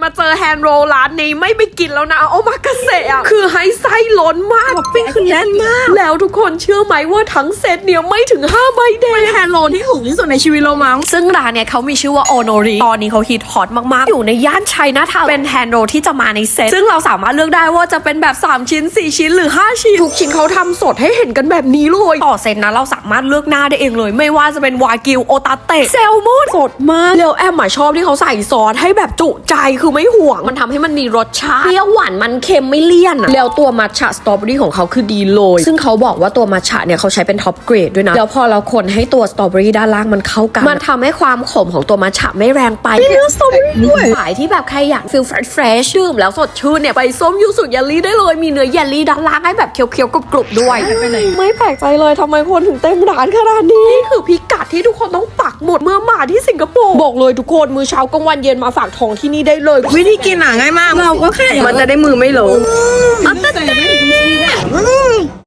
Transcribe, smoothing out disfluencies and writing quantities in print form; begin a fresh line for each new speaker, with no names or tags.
มาเจอแฮนด์โรลร้านนี้ไม่ไปกินแล้วนะโอมากาเสะคือให้ไส้ล้นมาก
ท็อปปิ้งคือแน่นมาก
แล้วทุกคนเชื่อไหมว่าทั้งเซตเนี่ยไม่ถึง5ใบแดง
แฮนด์โรลที่ถูกที่สุดในชีวิตเรามั้ง
ซึ่งร้านเนี่ยเขามีชื่อว่าโอโนริตอนนี้เขาฮิตฮอตมากๆอยู่ในย่านชัยนาทาวน์เป็นแฮนด์โรลที่จะมาในเซตซึ่งเราสามารถเลือกได้ว่าจะเป็นแบบ3ชิ้น4ชิ้นหรือ5ชิ้นทุกชิ้นเขาทำสดให้เห็นกันแบบนี้เลยต่อเซตนะเราสามารถเลือกหน้าได้เองเลยไม่ว่าจะเป็นวากิวโอตาเตะแซลมอนสดมากแล้วแอมชอบที่เขาใส่ซอสให้แบบจุใจคือไม่ห่วงมันทำให้มันมีรสชาติเปรี้ยวหวานมันเค็มไม่เลี่ยนแล้วตัวมัทฉะสตรอเบอรี่ของเขาคือดีเลยซึ่งเขาบอกว่าตัวมัทฉะเนี่ยเขาใช้เป็นท็อปเกรดด้วยนะแล้วพอเราคนให้ตัวสตรอเบอรี่ด้านล่างมันเข้ากันมันทำให้ความขมของตัวมัทฉะไม่แรงไปเนื้อสตรอเบอรี่ด้วยขายที่แบบใครอยากฟีลเฟรชดื่มแล้วสดชื่นเนี่ยไปส้มยูสุเยลลี่ได้เลยมีเนื้อเยลลี่ด้านล่างให้แบบเคี้ยวๆกรุบๆด้วยไม่แปลกใจเลยทำไมคนถึงเต็มร้านขนาดนี้นี่คือพิกัดที่ทุกคนต้องปักหมุดเมื่อมาที่สิงคโปร์บอกเลยทุกคนมื้อเช้ากลางวันเย็นมาฝากท้องที่นี่ได้เลย
วิธีกินง่ายมากเราก็แค่มันจะได้มือไม่เลอะ